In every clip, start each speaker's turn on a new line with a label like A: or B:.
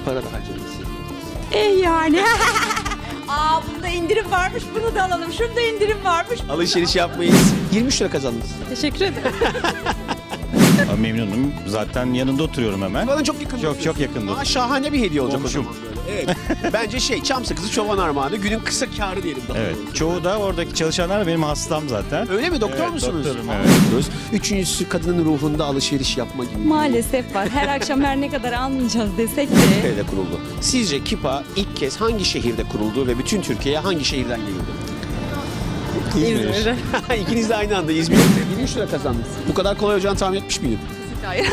A: para da harcamışsın.
B: Yani. Bunda indirim varmış, bunu da alalım. Şunda indirim varmış.
A: Alışveriş yapmayız. 23 lira kazandınız.
B: Teşekkür ederim.
C: Memnunum. Zaten yanında oturuyorum hemen.
A: Bana çok yakın.
C: Çok yakında.
A: Aa, şahane bir hediye olacak
C: Komşum.
A: o zaman böyle. Evet. Bence çam sakızı çoban armağanı. Günün kısa kârı diyelim daha
C: Evet.
A: doğrusu.
C: Çoğu da oradaki çalışanlar benim hastam zaten.
A: Öyle mi? Doktor
C: Evet,
A: musunuz?
C: doktorum,
A: Aa,
C: evet.
A: diyoruz. Üçüncüsü kadının ruhunda alışveriş yapma gibi.
B: Maalesef var. Her akşam her ne kadar almayacağız desek de.
A: Türkiye'de kuruldu. Sizce Kipa ilk kez hangi şehirde kuruldu ve bütün Türkiye'ye hangi şehirden geliyordu?
B: İzmir'de.
A: İkiniz de aynı anda İzmir'de 23 lira kazandınız. Bu kadar kolay olacağını tahmin etmiş miydin?
B: Hayır.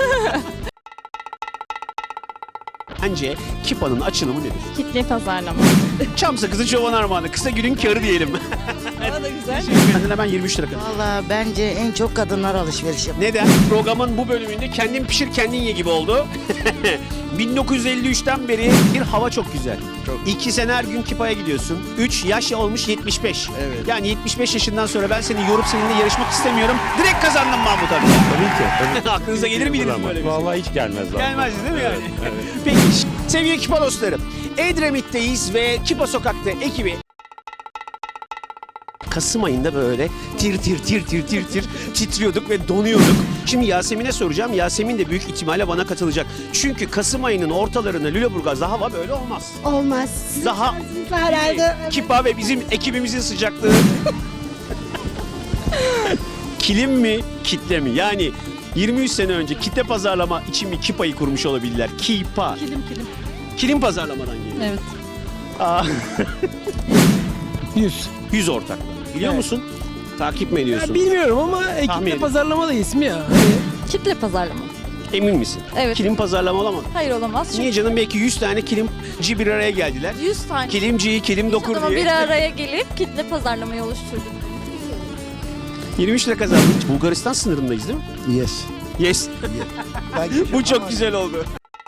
A: Bence Kipa'nın açılımı nedir?
B: Kitle pazarlama.
A: Çam sakızı çoban armağanı. Kısa günün kârı diyelim.
B: Bana da güzel.
A: Benden hemen 23 lira kazandım.
D: Valla bence en çok kadınlar alışveriş yapıyor.
A: Neden? Programın bu bölümünde kendin pişir kendin ye gibi oldu. 1953'ten beri bir hava çok güzel. 2 sene her gün Kipa'ya gidiyorsun. 3 yaş olmuş 75.
C: Evet.
A: Yani 75 yaşından sonra ben seni yorup seninle yarışmak istemiyorum. Direkt kazandım Mahmut abi.
C: Tabii ki.
A: Aklınıza gelir miydi böyle bir şey?
C: Vallahi hiç gelmez zaten.
A: Gelmezdi değil mi yani? Peki sevgili Kipa dostları. Edremit'teyiz ve Kipa Sokak'ta ekibi Kasım ayında böyle tir titriyorduk ve donuyorduk. Şimdi Yasemin'e soracağım. Yasemin de büyük ihtimalle bana katılacak. Çünkü Kasım ayının ortalarında Lüleburgaz'da hava böyle olmaz.
E: Olmaz.
A: Daha
E: Herhalde.
A: Kipa ve bizim ekibimizin sıcaklığı. Kilim mi, kitle mi? Yani 23 sene önce kitle pazarlama için mi Kipa'yı kurmuş olabilirler? Kipa.
B: Kilim.
A: Kilim pazarlamadan geliyor.
B: Evet.
A: Aa, 100 ortaklar. Biliyor
F: Evet.
A: musun? Takip mi ediyorsun?
F: Bilmiyorum ama
A: Tahmin
F: ekiple
A: edin.
F: pazarlama da ismi ya.
B: Kitle pazarlama.
A: Emin misin?
B: Evet.
A: Kilim pazarlama olamaz.
B: Hayır olamaz.
A: Niye canım? Belki 100 tane kilimci bir araya geldiler.
B: 100 tane
A: Kilimci, kilim dokur
B: adamı
A: diye.
B: bir araya gelip kitle pazarlamayı oluşturduk.
A: 23 lira kazandık. Bulgaristan sınırındayız değil mi?
F: Yes.
A: Yes. Bu çok güzel oldu.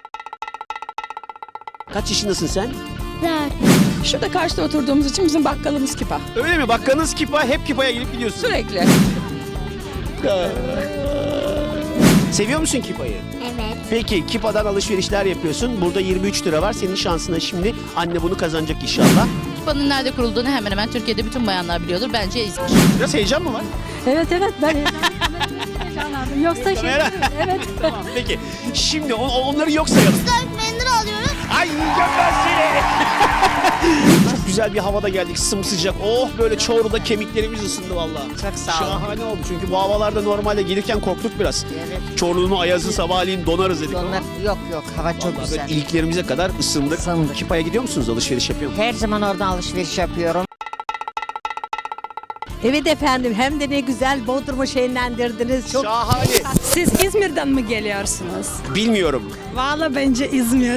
A: Kaç yaşındasın sen?
B: Şurada karşıda oturduğumuz için bizim bakkalımız Kipa.
A: Öyle mi? Bakkanız Kipa, hep Kipa'ya gelip gidiyorsun.
B: Sürekli.
A: Seviyor musun Kipa'yı?
E: Evet.
A: Peki Kipa'dan alışverişler yapıyorsun. Burada 23 lira var. Senin şansına şimdi anne bunu kazanacak inşallah.
G: Kipa'nın nerede kurulduğunu hemen hemen Türkiye'de bütün bayanlar biliyordur. Bence İzmir.
A: Biraz heyecan mı var?
B: Evet ben heyecanlandım. Yoksa
A: Kamera.
B: evet.
A: Tamam peki. Şimdi onları yok sayalım.
E: Mendil alıyoruz.
A: Ay yiyeceğim seni. Çok güzel bir havada geldik sımsıcak. Oh böyle Çorlu'da kemiklerimiz ısındı vallahi.
D: Çok sağ olun.
A: Şahane oldu çünkü bu havalarda normalde gelirken korktuk biraz.
D: Evet.
A: Çorlu'nun ayazı sabahleyin donarız dedik.
D: Onlar yok hava çok
A: Vallahi
D: güzel.
A: böyle iliklerimize kadar ısındık.
D: Isındık.
A: Kipa'ya gidiyor musunuz? Alışveriş yapıyor musunuz?
D: Her zaman oradan alışveriş yapıyorum.
E: Evet efendim, hem de ne güzel Bodrum'u şenlendirdiniz. Çok
A: Şahane.
B: Siz İzmir'den mi geliyorsunuz?
A: Bilmiyorum.
B: Valla bence İzmir.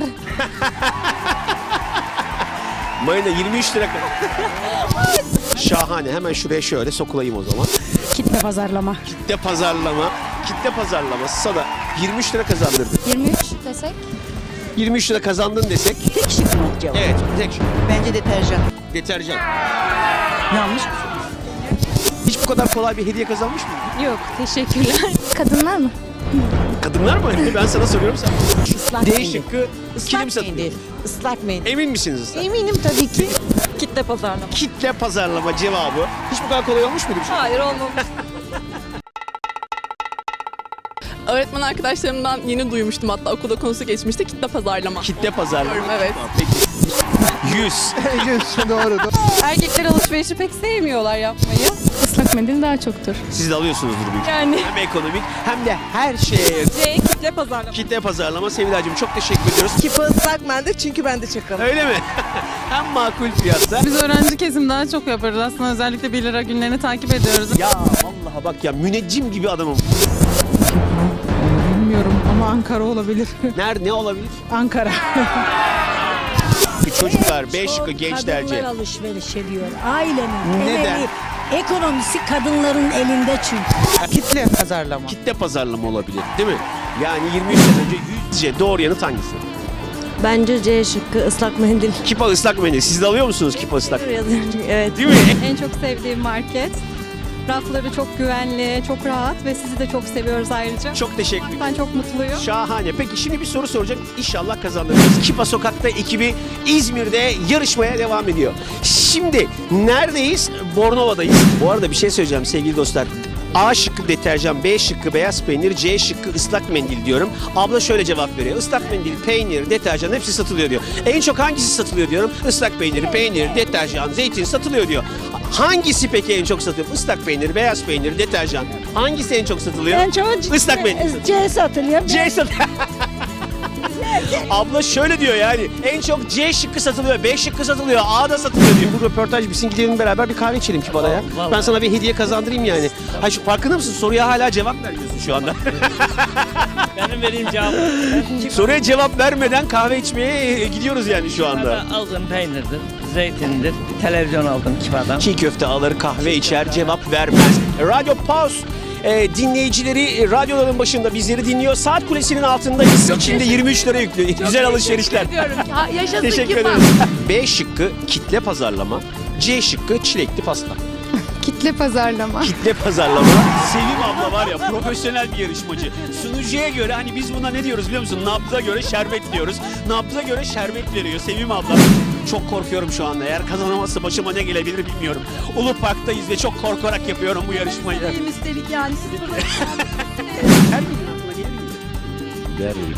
A: Marina 23 lira kadar. Şahane. Hemen şuraya şöyle sokulayım o zaman.
B: Kitle pazarlama.
A: Kitle pazarlama. Kitle pazarlaması sana 23 lira kazandırdı.
G: 23 desek?
A: 23 lira kazandın desek.
E: tek şık mı cevap?
A: Evet. Tek şey.
D: Bence deterjan.
A: Deterjan. Yanlış mı? Hiç bu kadar kolay bir hediye kazanmış mıydın?
B: Yok teşekkürler.
G: Kadınlar mı?
A: Kadınlar mı? Ben sana soruyorum sen.
E: Islak
A: D
E: mendil.
A: şıkkı kilim satıyor.
E: mendil. Islak mendil.
A: Emin misiniz ıslak?
E: Eminim tabii ki.
B: Kitle pazarlama.
A: Kitle pazarlama cevabı. Hiç bu kadar kolay olmuş muydu bir şey?
B: Hayır olmamış.
H: Öğretmen arkadaşlarımdan yeni duymuştum, hatta okulda konusu geçmişti, kitle pazarlama.
A: Kitle pazarlama.
H: Evet.
A: Peki. 100.
F: Doğru.
B: Erkekler alışverişi pek sevmiyorlar yapmayı. Islak mendil daha çoktur.
A: Siz de alıyorsunuzdur büyük.
B: Yani.
A: Hem ekonomik hem de her şeye.
B: C kitle pazarlama.
A: Kitle pazarlama. Sevilacığım çok teşekkür ediyoruz.
F: Kipa ıslak mendil çünkü ben de çakalım.
A: Öyle mi? Hem makul fiyatta.
I: Biz öğrenci kesim daha çok yaparız. Aslında özellikle 1 lira günlerini takip ediyoruz.
A: Ya vallahi bak ya müneccim gibi adamım.
I: Bilmiyorum ama Ankara olabilir.
A: Ne olabilir?
I: Ankara.
A: Çocuklar, B şıkkı gençlerce.
E: Kadınlar alışveriş ediyor. Ailenin
A: Neden?
E: temeli, ekonomisi kadınların elinde çünkü.
F: Kitle pazarlama.
A: Kitle pazarlama olabilir değil mi? Yani 23 sene önce yüzce doğru yanıt hangisi?
E: Bence C şıkkı ıslak mendil.
A: Kipa ıslak mendil. Siz de alıyor musunuz kipa ıslak?
E: Evet.
A: Değil mi?
B: En çok sevdiğim market Rafları çok güvenli, çok rahat ve sizi de çok seviyoruz ayrıca.
A: Çok teşekkür ederim.
B: Ben çok mutluyum.
A: Şahane. Peki şimdi bir soru soracağım. İnşallah kazanırız. Kipa Sokak'ta ekibi İzmir'de yarışmaya devam ediyor. Şimdi neredeyiz? Bornova'dayız. Bu arada bir şey söyleyeceğim sevgili dostlar. A şıkkı deterjan, B şıkkı beyaz peynir, C şıkkı ıslak mendil diyorum. Abla şöyle cevap veriyor. Islak mendil, peynir, deterjan hepsi satılıyor diyor. En çok hangisi satılıyor diyorum. Islak peynir, peynir, deterjan, zeytin satılıyor diyor. Hangisi peki en çok satılıyor? Islak peynir, beyaz peynir, deterjan. Hangisi en çok satılıyor?
B: En çok
A: Islak mendil.
B: C satılıyor.
A: C satılıyor. Abla şöyle diyor yani en çok C şıkkı satılıyor, B şıkkı satılıyor, A da satılıyor diyor. Bu röportaj bitsin gidelim beraber bir kahve içelim ki bana ya. Ben sana bir hediye kazandırayım yani. Ha şu farkında mısın? Soruya hala cevap vermiyorsun şu anda.
J: Benim vereyim cevabı.
A: Soruya cevap vermeden kahve içmeye gidiyoruz yani şu anda.
J: Aldığım peynirdir, zeytindir, televizyon aldım Kipa'dan.
A: Çiğ köfte alır, kahve içer, cevap vermez. Radyo Pause dinleyicileri radyoların başında bizleri dinliyor. Saat kulesinin altındayız. İçinde 23 lira yüklü. Güzel alışverişler.
G: Yaşasın
A: Teşekkür
G: Kipa.
A: ederim. B şıkkı kitle pazarlama. C şıkkı çilekli pasta.
B: Kitle pazarlama.
A: Kitle pazarlama. Sevim abla var ya profesyonel bir yarışmacı. Sunucuya göre hani biz buna ne diyoruz biliyor musun? Nabza göre şerbet diyoruz. Nabza göre şerbet veriyor Sevim abla. Çok korkuyorum şu anda. Eğer kazanamazsa başıma ne gelebilir bilmiyorum. Ulu Park'tayız ve çok korkarak yapıyorum bu yarışmayı.
B: Üstelik yani siz burada.
A: Her gün aklına gelir miydi?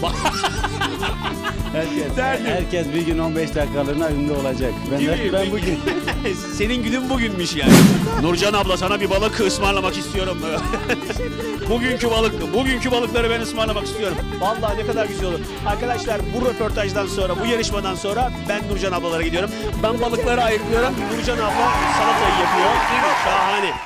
A: Derdim.
C: Herkes bir gün 15 dakikalığına ünlü olacak. Ben bugün.
A: Senin günün bugünmüş yani. Nurcan abla sana bir balık ısmarlamak istiyorum. Bugünkü balık, bugünkü balıkları ben ısmarlamak istiyorum. Vallahi ne kadar güzel olur. Arkadaşlar bu röportajdan sonra, bu yarışmadan sonra ben Nurcan ablalara gidiyorum. Ben balıkları ayırtıyorum. Nurcan abla salatayı yapıyor. Şahane.